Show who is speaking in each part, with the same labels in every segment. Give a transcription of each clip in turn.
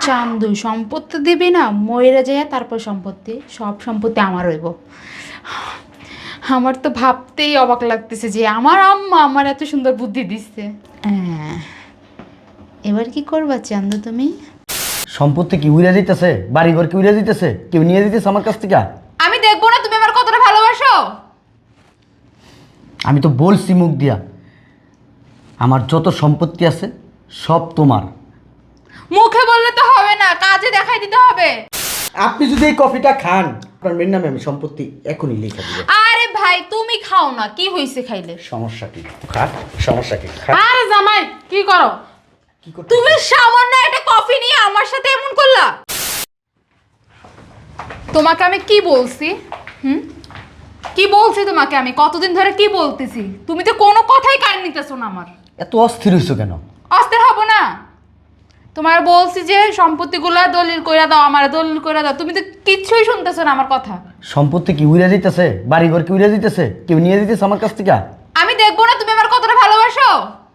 Speaker 1: চান্দু সম্পত্তি দিবি না, মইরা যায় তারপর সম্পত্তি, সব সম্পত্তি আমার হইব। আমার তো ভাবতেই অবাক লাগতেছে যে আমার আম্মা আমার এত সুন্দর বুদ্ধি দিচ্ছে। হ্যাঁ, এবার কি করবা চান্দু তুমি?
Speaker 2: সম্পত্তি কি উড়ে দিতেছে? বাড়িঘর কি উড়ে দিতেছে? কেউ নিয়ে দিতেছে আমার কাছ থেকে?
Speaker 1: আমি দেখবো না তুমি আমার কতটা ভালোবাসো?
Speaker 2: আমি তো বলছি মুখ দিয়া, আমার যত সম্পত্তি আছে সব তোমার।
Speaker 1: মুখে বললে তো হবে না, কাজে দেখাই দিতে হবে।
Speaker 2: আপনি যদি এই কফিটা খান, আপনার মেয়ের নামে আমি সম্পত্তি এখনই লিখে দিব।
Speaker 1: আরে ভাই তুমি খাও না, কি হইছে খাইলে?
Speaker 2: সমস্যা কি? খা, সমস্যা কি? খা।
Speaker 1: আরে জামাই কি করো?
Speaker 2: কি করতে?
Speaker 1: তুমি সামান্য একটা কফি নিয়ে আমার সাথে এমন করলা? তোমাকে আমি কি বলছি? কি বলছি তোমাকে আমি? কতদিন ধরে কি বলতেছি? তুমি তো কোনো কথাই কান নিতেছো না আমার।
Speaker 2: এত অস্থির হইছো কেন?
Speaker 1: অস্থির হব না? তোমার বলছি যে সম্পত্তিগুলা দলিল কইরা দাও, আমার দলিল কইরা দাও, তুমি তো কিচ্ছুই শুনতেছো না আমার কথা।
Speaker 2: সম্পত্তি কি উড়ে দিতেছে? বাড়িঘর কি উড়ে দিতেছে? কেউ নিয়ে দিতেছে আমার কাছ থেকে?
Speaker 1: আমি দেখবো না তুমি আমার কতটা ভালোবাসো?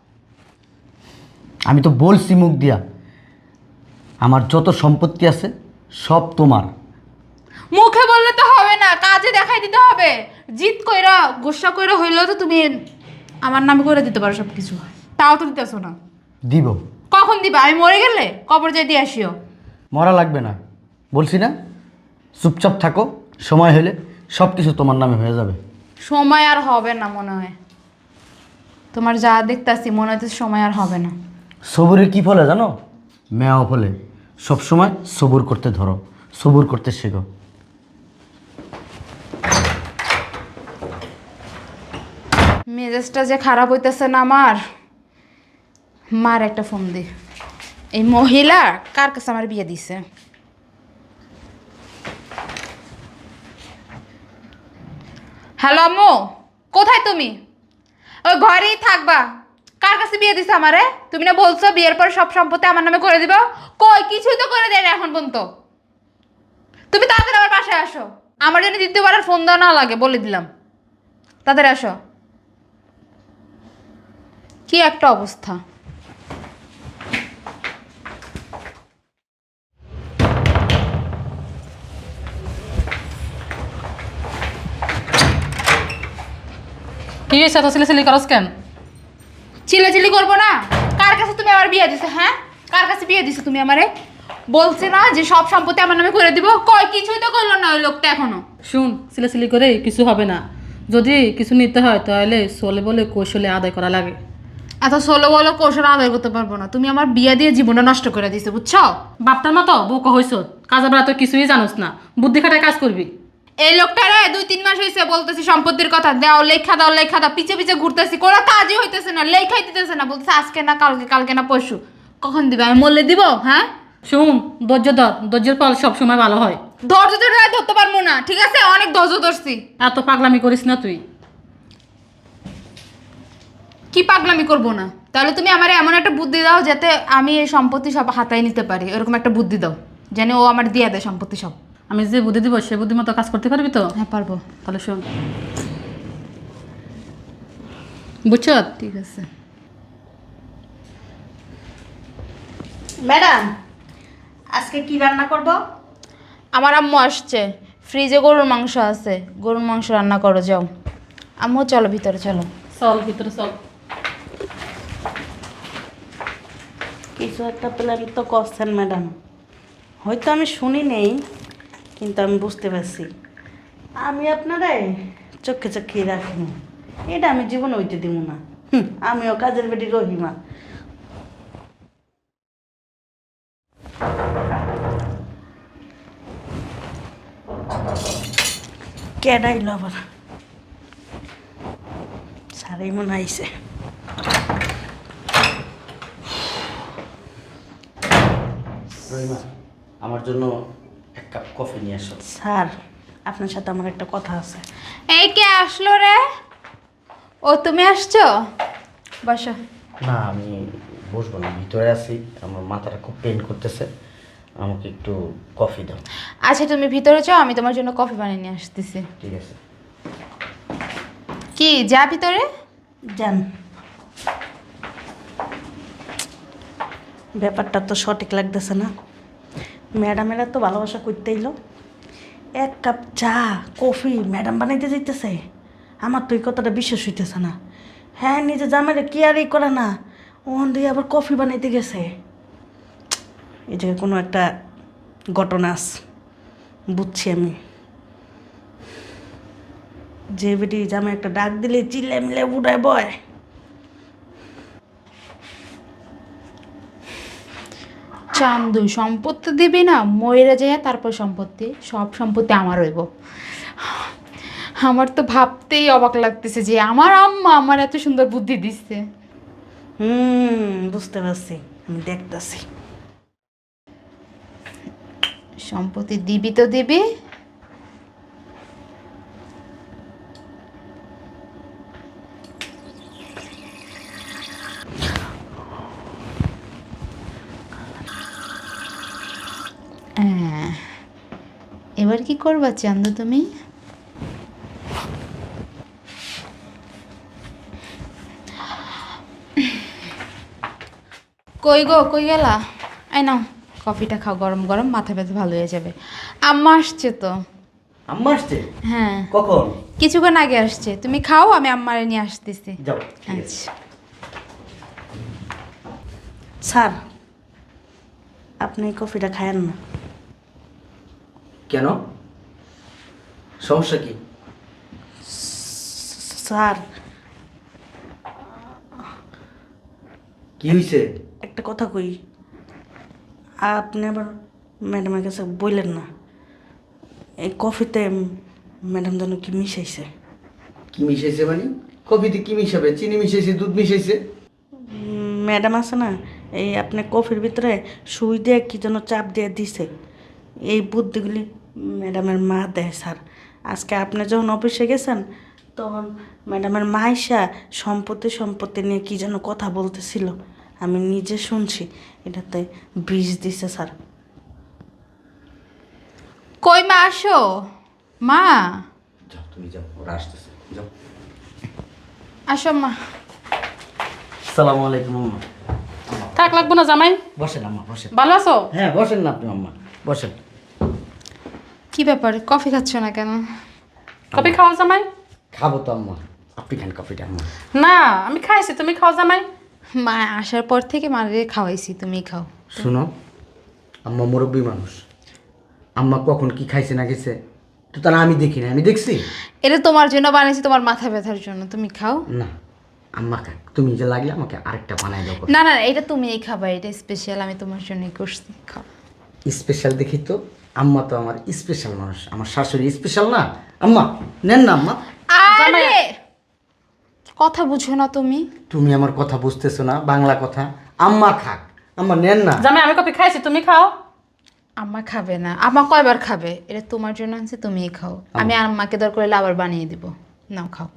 Speaker 2: আমি তো বলছি মুখ দিয়া, আমার যত সম্পত্তি আছে সব তোমার।
Speaker 1: মুখে বললে তো হবে না, কাজে দেখাই দিতে হবে। জিত কইরা গোসা কইরা হইলেও তো তুমি আমার নামে করে দিতে পারো সব কিছু, তাও তো দিতেছো না।
Speaker 2: দিব।
Speaker 1: কখন দিবা? আমি মরে গেলে কবর যাই দিয়ে আসিও।
Speaker 2: মরা লাগবে না, বলছি না? চুপচাপ থাকো, সময় হলে সব কিছু তোমার নামে হয়ে যাবে।
Speaker 1: সময় আর হবে না মনে হয়, তোমার যা দেখতাছি মনে হইতেছে সময় আর হবে না।
Speaker 2: সবুরের কি ফলে জানো? মেয়াও ফলে। সবসময় সবুর করতে ধরো, সবুর করতে শেখো।
Speaker 1: মেজাজটা যে খারাপ হইতেছে না আমার, মার একটা ফোন দি। এই মহিলা কার কাছে আমার বিয়ে দিছে? হ্যালো আম্মু, কোথায় তুমি? ওই ঘরেই থাকবা। কার কাছে বিয়ে দিছে আমারে? তুমি না বলছো বিয়ের পর সব সম্পত্তি আমার নামে করে দিবা? কই কিছুই তো করে দেয় না এখন পর্যন্ত। তুমি তাড়াতাড়ি আমার বাসায় আসো, আমার জন্য দ্বিতীয়বার আর ফোন দেওয়া না লাগে বলে দিলাম। তাড়াতাড়ি আসো। কি একটা অবস্থা!
Speaker 3: কি হয়েছে এত সিলি করস কেন?
Speaker 1: চিল্লাচিল্লি করবো না? কার কাছে তুমি আমার বিয়ে দিছো? হ্যাঁ, কার কাছে বিয়ে দিছো তুমি আমারে? বলছে না যে সব সম্পত্তি আমার নামে করে দিব? কই কিছুই তো করলো না ওই লোকটা এখনো।
Speaker 3: শুন, সিলি করে কিছু হবে না। যদি কিছু নিতে হয় তাহলে সোলে বলে কৌশলে আদায় করা লাগে।
Speaker 1: এত সোলো বলো কৌশল আদায় করতে পারবো না। তুমি আমার বিয়ে দিয়ে জীবনটা নষ্ট করে দিছো, বুঝছো?
Speaker 3: বাপটার মতো বউকা হইস, কাজে বেড়া তো কিছুই জানোস না, বুদ্ধি খাটায় কাজ করবি।
Speaker 1: এই লোকটারে 2-3 মাস হয়েছে বলতেছি সম্পত্তির কথা, দাও লেখা দাও লেখা দাও, পিছে পিছে ঘুরতেছি, কোনো কাজই হইতেছে না, লেখাই দিতেছে না। বলতেছে আজকে না কালকে, কালকে না পরশু। কখন দিবে? আমি মরলে দিব? হ্যাঁ,
Speaker 3: শুন, ধৈর্য ধর, ধৈর্যের ফল সবসময় ভালো হয়।
Speaker 1: ধৈর্য ধরে আর ধরতে পারবো না, ঠিক আছে? অনেক ধৈর্য ধরছি।
Speaker 3: এত পাগলামি করিস না তুই।
Speaker 1: কি পাগলামি করবো না? তাহলে তুমি আমার এমন একটা বুদ্ধি দাও যাতে আমি এই সম্পত্তি সব হাতায় নিতে পারি, এরকম একটা বুদ্ধি দাও যেন ও আমার দিয়ে দেয় সম্পত্তি সব।
Speaker 3: আমি যে বুদ্ধি দিব সে বুদ্ধি মতো কাজ করতে পারবি তো?
Speaker 1: হ্যাঁ পারবো।
Speaker 3: তাহলে শোন, বুঝছ?
Speaker 1: ঠিক আছে।
Speaker 4: ম্যাডাম, আজকে কি রান্না করব?
Speaker 1: আমার আম্মু আসছে, ফ্রিজে গরুর মাংস আছে, গরুর মাংস রান্না করো যাও। আম্মু চলো ভিতরে চলো।
Speaker 3: চল ভিতরে চল।
Speaker 4: কিছু একটা প্ল্যান তো করছেন ম্যাডাম, হয়তো আমি শুনি নেই, কিন্তু আমি বুঝতে পারছি। আমি আপনারে চোখে চোখে রাখবো, এটা আমি জীবন হইতে দিব না। আমিও কাজের বেটি রহিমা। কেডাইল আবার সারাই মনে আইছে।
Speaker 2: রহিমা, আমার জন্য এক কাপ কফি নিয়ে আসো।
Speaker 4: স্যার, আপনার সাথে আমার একটা কথা আছে।
Speaker 1: এই কে আসলো রে? ও তুমি আসছো? বসো।
Speaker 2: না, আমি বসবো না, ভিতরে আছি, আমার মাথাটা খুব পেন করতেছে, আমাকে একটু কফি দাও।
Speaker 1: আচ্ছা তুমি ভিতরে যাও, আমি তোমার জন্য কফি বানিয়ে নিয়ে আসতেছি।
Speaker 2: ঠিক আছে।
Speaker 1: কি যা ভিতরে।
Speaker 4: যান, ব্যাপারটা তো সঠিক লাগতেছে না। ম্যাডামেরা তো ভালোবাসা করতে এলো, এক কাপ চা কফি ম্যাডাম বানাইতে যাইতেছে। আমার তো এই কথাটা বিশ্বাস হইতেছে না। হ্যাঁ, নিজে জামাইরে কেয়ারই করে না, ওখান দিয়ে আবার কফি বানাইতে গেছে। এই জায়গায় কোনো একটা ঘটনা আছে, বুঝছি আমি। যে বেটি জামাই একটা ডাক দিলে চিল্লে মিলে উড়ায় বয়।
Speaker 1: চান্দু সম্পত্তি দিবি না, ময়রা যায় তারপর সম্পত্তি, সব সম্পত্তি আমার হইব। আমার তো ভাবতেই অবাক লাগতেছে যে আমার আম্মা আমার এত সুন্দর বুদ্ধি দিচ্ছে।
Speaker 4: বুঝতে পারছি, আমি দেখতেছি।
Speaker 1: সম্পত্তি দিবি তো দিবি। এবার কি করবা চান্দু তুমি? কই গো, কই গেলা? এই নাও কফিটা খাও, গরম গরম, মাথা ব্যথা ভালো হয়ে যাবে। আম্মা আসছে তো।
Speaker 2: আম্মা আসছে?
Speaker 1: হ্যাঁ,
Speaker 2: কখন?
Speaker 1: কিছুক্ষণ আগে আসছে। তুমি খাও, আমি আম্মারে নিয়ে আসতেছি।
Speaker 2: যাও।
Speaker 1: আচ্ছা।
Speaker 4: স্যার, আপনি এই কফিটা খায়েন না।
Speaker 2: কেন? সমস্যা কি?
Speaker 4: স্যার,
Speaker 2: কি হয়েছে?
Speaker 4: একটা কথা কই, আপনি আবার ম্যাডামের কাছে বললেন না এই কফিতে ম্যাডাম যেন কি মিশাইছে।
Speaker 2: কি মিশাইছে মানে? কফিতে কি মিশাবে? চিনি মিশাইছে, দুধ মিশাইছে?
Speaker 4: ম্যাডাম আছে না, এই আপনি কফির ভিতরে সুই দিয়ে কি যেন চাপ দিয়ে দিছে। এই বুদ্ধিগুলি ম্যাডামের মা দেয় স্যার। আজকে আপনি যখন অফিসে গেছেন তখন ম্যাডামের মা এসা সম্পত্তি নিয়ে কি যেন কথা বলতেছিল, আমি নিজে শুনছি। এটাতে বিষ দিছে স্যার।
Speaker 1: কই মা, আসো মা।
Speaker 2: যাও, তুমি যাও, ওরা আসতেছে, যাও।
Speaker 1: আসো মা।
Speaker 2: আসসালামু আলাইকুম আম্মা।
Speaker 3: থাক লাগবো না জামাই,
Speaker 2: বসেন আম্মা, বসেন।
Speaker 3: ভালো আছো?
Speaker 2: হ্যাঁ, বসেন না আপনি আম্মা, বসেন।
Speaker 1: কি ব্যাপার, কফি খাচ্ছ না কেন?
Speaker 3: কফি খাও জামাই?
Speaker 2: খাবো তো আম্মা, আপনি খান কফিটা আম্মা।
Speaker 3: না, আমি খাইছি, তুমি খাও জামাই।
Speaker 1: মা আসার পর থেকে মারে খাওয়াইছি, তুমি খাও।
Speaker 2: শুনো, আম্মা মুরব্বী মানুষ, আম্মা কখন কি খাইছে না গেছে তো তারা আমি দেখি না, আমি দেখছি।
Speaker 1: এটা তোমার জন্য বানিয়েছি, তোমার মাথা ব্যথার জন্য, তুমি খাও।
Speaker 2: না আম্মা খাক, তুমি যে লাগলে আমাকে আরেকটা বানাই দাও।
Speaker 1: না না, এটা তুমি এই খাবা, এটা স্পেশাল, আমি তোমার জন্যই করছি, খাও।
Speaker 2: স্পেশাল দেখি তো, আম্মা তো আমার স্পেশাল মানুষ, আমার শাশুড়ি স্পেশাল না। আম্মা নেন না আম্মা।
Speaker 1: আরে কথা বুঝো না তুমি?
Speaker 2: তুমি আমার কথা বুঝতেছো না, বাংলা কথা। আম্মা খাক, আম্মা নেন না।
Speaker 3: জামাই আমি কফি খাইছি, তুমি খাও।
Speaker 1: আম্মা খাবে না, আম্মা কয়বার খাবে? এটা তোমার জন্য আনছে, তুমিই খাও। আমি আম্মাকে দরকার হলে আবার বানিয়ে দিব, নাও খাও।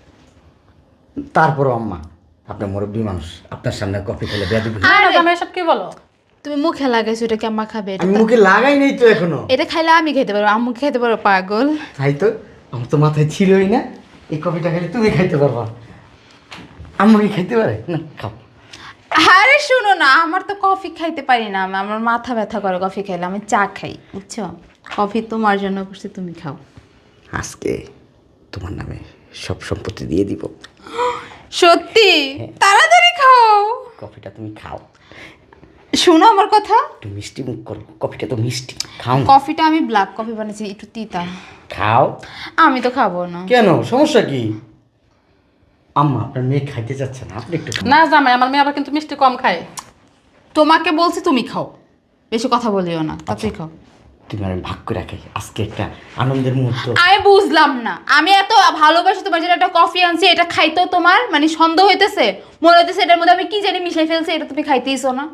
Speaker 2: তারপরও আম্মা, আপনার মুরব্বী মানুষ, আপনার সামনে কফি খেলে বেয়াদবি।
Speaker 3: না না জামাই, এসব কি বলো?
Speaker 1: তুমি মুখে লাগাইছো, এটা কি আম্মা খাবে?
Speaker 2: আমি মুখে লাগাই নেই তো এখনো।
Speaker 1: এটা খাইলে আমি খেতে পারবো, আম্মু খেতে পারবো? পাগল।
Speaker 2: তাই তো, আমার তো মাথায় ছিলই না। এই কফিটা খেলে তুমি খাইতে পারবা, আম্মা কি খাইতে পারে না? খাও।
Speaker 1: আরে শুনো না, আমার তো কফি খাইতে পারি না, আমার মাথা ব্যথা করে কফি খাইলে। আমি চা খাই, বুঝছো? কফি তোমার জন্য করছি, তুমি খাও।
Speaker 2: আজকে তোমার নামে সব সম্পত্তি দিয়ে দিব।
Speaker 1: সত্যি? তাড়াতাড়ি খাও।
Speaker 2: কফিটা তুমি খাও,
Speaker 1: শোনো আমার কথা।
Speaker 2: একটু মিষ্টি মুখ করো, কফিটা তো মিষ্টি, খাও।
Speaker 1: কফিটা আমি ব্ল্যাক কফি বানিয়েছি, একটু তিতা।
Speaker 2: খাও।
Speaker 1: আমি তো খাবো না।
Speaker 2: কেন, সমস্যা কি? আম্মা আপনার মেয়ে খাইতে চাচ্ছে না, আপনি একটু খান।
Speaker 3: না জামাই, আমার মেয়ে আবার কিন্তু মিষ্টি কম খায়।
Speaker 1: তোমাকে বলছি তুমি খাও, বেশি কথা বলিও না, তাড়াতাড়ি খাও।
Speaker 2: তুমি আর আমি ভাগ করে রাখি, আজকে একটা আনন্দের মুহূর্ত।
Speaker 1: আমি বুঝলাম না, আমি এত ভালোবাসি তোমার জন্য একটা কফি আনছি, এটা খাইতেও তোমার মানে সন্দেহ হইতেছে, মনে হইতেছে এটার মধ্যে আমি কি জানি মিশাই ফেলছি, এটা তুমি খাইতেইছো না।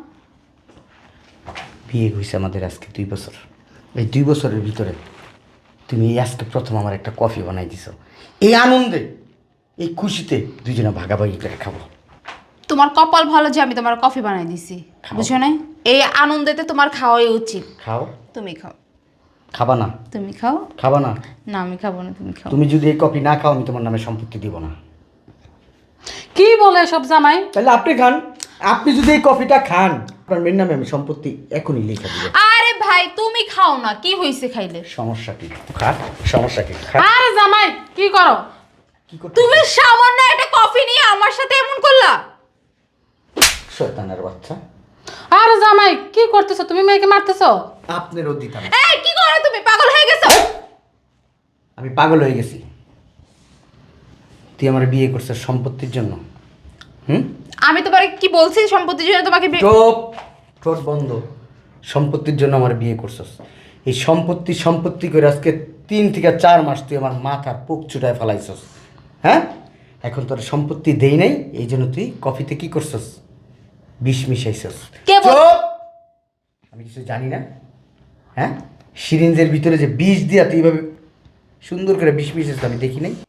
Speaker 2: বিয়ে হয়েছে আমাদের আজকে 2 বছর। এই 2 বছরের ভিতরে তুমি আজকে প্রথম আমার একটা কফি বানাই দিছো। এই আনন্দে, এই খুশিতে দুজনে ভাগাভাগি করে খাবো।
Speaker 1: তোমার কপাল ভালো যে আমি তোমার কফি বানাই দিছি,
Speaker 2: খাও।
Speaker 1: বুঝছো না? এই আনন্দেতে তোমার খাওয়াই উচিত।
Speaker 2: খাও।
Speaker 1: তুমি খাও।
Speaker 2: খাবা না?
Speaker 1: তুমি খাও।
Speaker 2: খাবা না?
Speaker 1: না আমি খাবো না, তুমি খাও।
Speaker 2: তুমি যদি এই কফি না খাও, আমি তোমার নামে সম্পত্তি দিব না।
Speaker 3: কি বলে সব জামাই?
Speaker 2: তাহলে আপনি খান। আপনি যদি এই কফিটা খান, আপনার মেয়ের নামে আমি সম্পত্তি এখনই লিখে দিব।
Speaker 1: আরে ভাই তুমি খাও না, কি হইছে খাইলে?
Speaker 2: সমস্যা কি? খা, সমস্যা কি? খা।
Speaker 3: আরে জামাই কি করো?
Speaker 2: কি করতে?
Speaker 1: তুমি সামান্য একটা কফি নিয়ে আমার সাথে এমন করলা?
Speaker 2: শয়তানের বাচ্চা।
Speaker 3: আরে জামাই কি করতেছো? তুমি মেয়েকে মারতেছো?
Speaker 2: আপনারও দিতাম।
Speaker 1: এই কি করো তুমি? পাগল হয়ে গেছো?
Speaker 2: আমি পাগল হয়ে গেছি। তুই আমার বিয়ে করছিস সম্পত্তির জন্য? হুম?
Speaker 1: আমি তোমারে কি বলছি সম্পত্তির জন্য তোমাকে
Speaker 2: চুপ, ঠোঁট বন্ধ। সম্পত্তির জন্য আমার বিয়ে করছিস। এই সম্পত্তি করে আজকে 3 থেকে 4 মাস তুই আমার মাথার পোক চুটায় ফেলাইছস। হ্যাঁ, এখন তোর সম্পত্তি দেই নাই, এই জন্য তুই কফিতে কি করছস? বিষ মিশাইছস।
Speaker 1: কে বল-
Speaker 2: চুপ! আমি কিছু জানি না। হ্যাঁ, সিরিঞ্জের ভিতরে যে বিষ দিয়া তুই এইভাবে সুন্দর করে বিষ মিশাইছিস আমি দেখি নাই।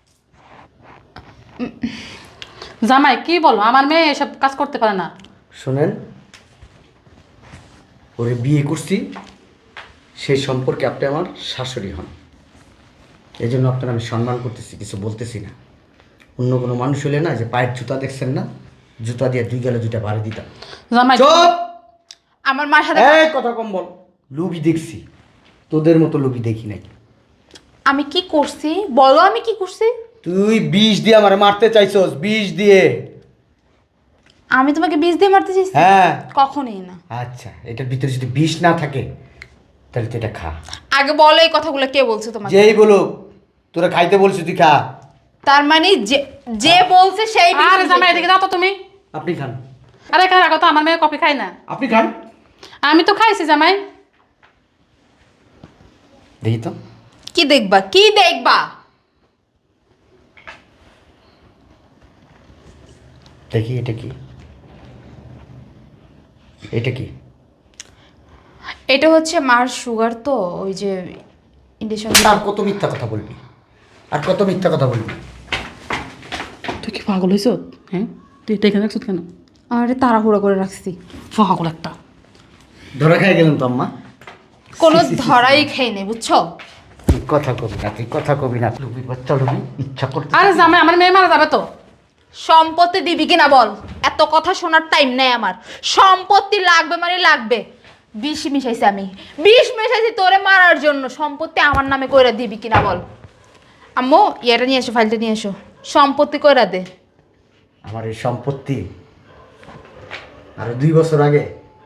Speaker 3: জামাই কি বলো? আমার মেয়ে এসব কাজ করতে পারে না।
Speaker 2: শোনেন, ওরে বিয়ে করছি, সেই সম্পর্কে আপনি আমার শাশুড়ি হন, এই জন্য আপনার আমি সম্মান করতেছি, কিছু বলতেছি না। অন্য কোনো মানুষ হলে না, যে পায়ের জুতা দেখছেন না, জুতা দিয়ে 2 গেলে 2টা বাড়ি দিতাম।
Speaker 3: জামাই
Speaker 2: চুপ!
Speaker 1: আমার মার সাথে
Speaker 2: এই কথা কম বল। লুবি দেখছি, তোদের মতো লুবি দেখি নাই।
Speaker 1: আমি কি করছি বলো? আমি কি করছি?
Speaker 2: তুই বিষ দিয়ে আমার মারতে চাইছস, বিষ দিয়ে।
Speaker 1: আমি তোমাকে বিষ দিয়ে মারতে চাইছি?
Speaker 2: হ্যাঁ।
Speaker 1: কখনোই না।
Speaker 2: আচ্ছা, এটার ভিতরে যদি বিষ না থাকে তাহলে তুই এটা খা।
Speaker 1: আগে বলো এই কথাগুলো কে বলছে তোমাকে?
Speaker 2: যেই বলুক তোরা খাইতে বলছিস, তুই খা।
Speaker 1: তার মানে যে যে বলছে সেই বিষ
Speaker 3: আরে জামাই
Speaker 1: দিয়েছে।
Speaker 3: এদিকে যাও তো তুমি।
Speaker 2: আপনি খান,
Speaker 3: আরে এখানে রাখো তো, আমার মেয়ে কফি খায় না।
Speaker 2: আপনি খান।
Speaker 3: আমি তো খাইছি জামাই।
Speaker 2: দেখি তো।
Speaker 1: কি দেখবা? কি দেখবা?
Speaker 2: দেখি এটা কি, এটা কি?
Speaker 1: এটা হচ্ছে মার সুগার, তো ওই যে ইন্ডেশন।
Speaker 2: আর কত মিথ্যা কথা বলবি, আর কত মিথ্যা কথা বলবি?
Speaker 3: তুই কি পাগল হয়েছ? হ্যাঁ, তুই এটা এখানে রাখছো কেন?
Speaker 1: আরে তাড়াহুড়ো করে রাখছি।
Speaker 3: পাগল একটা।
Speaker 2: ধরা খাই গেলাম তো আম্মা।
Speaker 1: কোনো ধরাই খাই নেই, বুঝছো?
Speaker 2: তুই কথা কবি না, তুই কথা কবি না। লুবি বাচ্চা লুবি, ইচ্ছা করতে।
Speaker 3: আরে জামাই আমার মেয়ে মারা যাবে তো।
Speaker 1: সম্পত্তি দিবি কিনা বল? এত কথা শোনার টাইম নেই আমার। সম্পত্তি লাগবে মানে লাগবে। বিষ মিশাইছি আমি, বিষ মিশাইছি তোরে মারার জন্য। সম্পত্তি আমার নামে কইরা দিবি কিনা বল? আম্মু ইয়েটা নিয়ে এসো, ফাইলটা নিয়ে এসো। সম্পত্তি কইরা দে।
Speaker 2: আমার এই সম্পত্তি আর 2 বছর আগে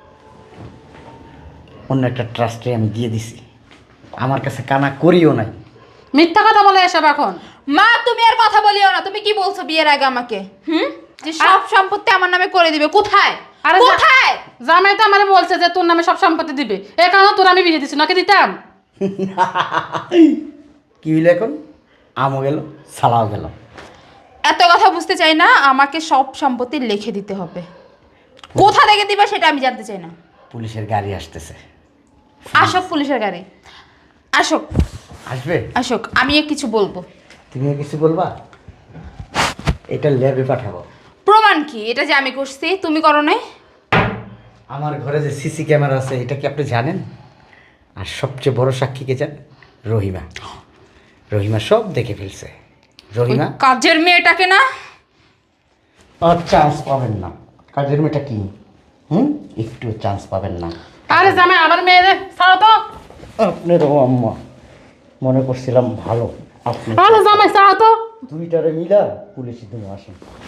Speaker 2: অন্য একটা ট্রাস্টে আমি দিয়ে দিছি। আমার কাছে কানা করিও নাই।
Speaker 3: মিথ্যা কথা বলে এসব এখন।
Speaker 1: মা তুমি আর কথা বলিও না। তুমি কি বলছো বিয়ের আগে আমাকে? যে সব সম্পত্তি আমার নামে করে দিবে? কোথায়?
Speaker 3: আরে
Speaker 1: কোথায়?
Speaker 3: জামাই তো আমার বলছে যে তোর নামে সব সম্পত্তি দিবে, এ কারণে তোর আমি বিয়ে দিচ্ছি, নাকি দিতাম?
Speaker 2: কি হইলো এখন? আমও গেল, সালাও গেল।
Speaker 1: এত কথা বুঝতে চাই না। আমাকে সব সম্পত্তি লিখে দিতে হবে। কোথা থেকে দিবা সেটা আমি জানতে চাই না।
Speaker 2: পুলিশের গাড়ি আসতেছে।
Speaker 1: আসুক পুলিশের গাড়ি, আসুক
Speaker 2: আসবে?
Speaker 1: আসুক, আমি কিছু বলবো।
Speaker 2: তুমিও কিছু বলবা? এটা ল্যাবে পাঠাবো।
Speaker 1: প্রমাণ কি এটা যে আমি করছি? তুমি করো নাই?
Speaker 2: আমার ঘরে যে সিসি ক্যামেরা আছে, এটা কি আপনি জানেন? আর সবচেয়ে বড় সাক্ষী কে জান? রহিমা। রহিমা সব দেখে ফেলছে। রহিমা
Speaker 1: ওই কাজের মেয়েটাকে না।
Speaker 2: আর চান্স পাবেন না। কাজের মেয়েটা কি? একটু চান্স পাবেন না।
Speaker 3: আরে জামাই আমার মেয়ে রে, ছাড়ো তো।
Speaker 2: আপনারও আম্মা মনে করছিলাম ভালো। আপনি
Speaker 3: আরে জামাই ছাড়ো তো।
Speaker 2: 2টারে মিলা পুলিশে তুমি আসেন।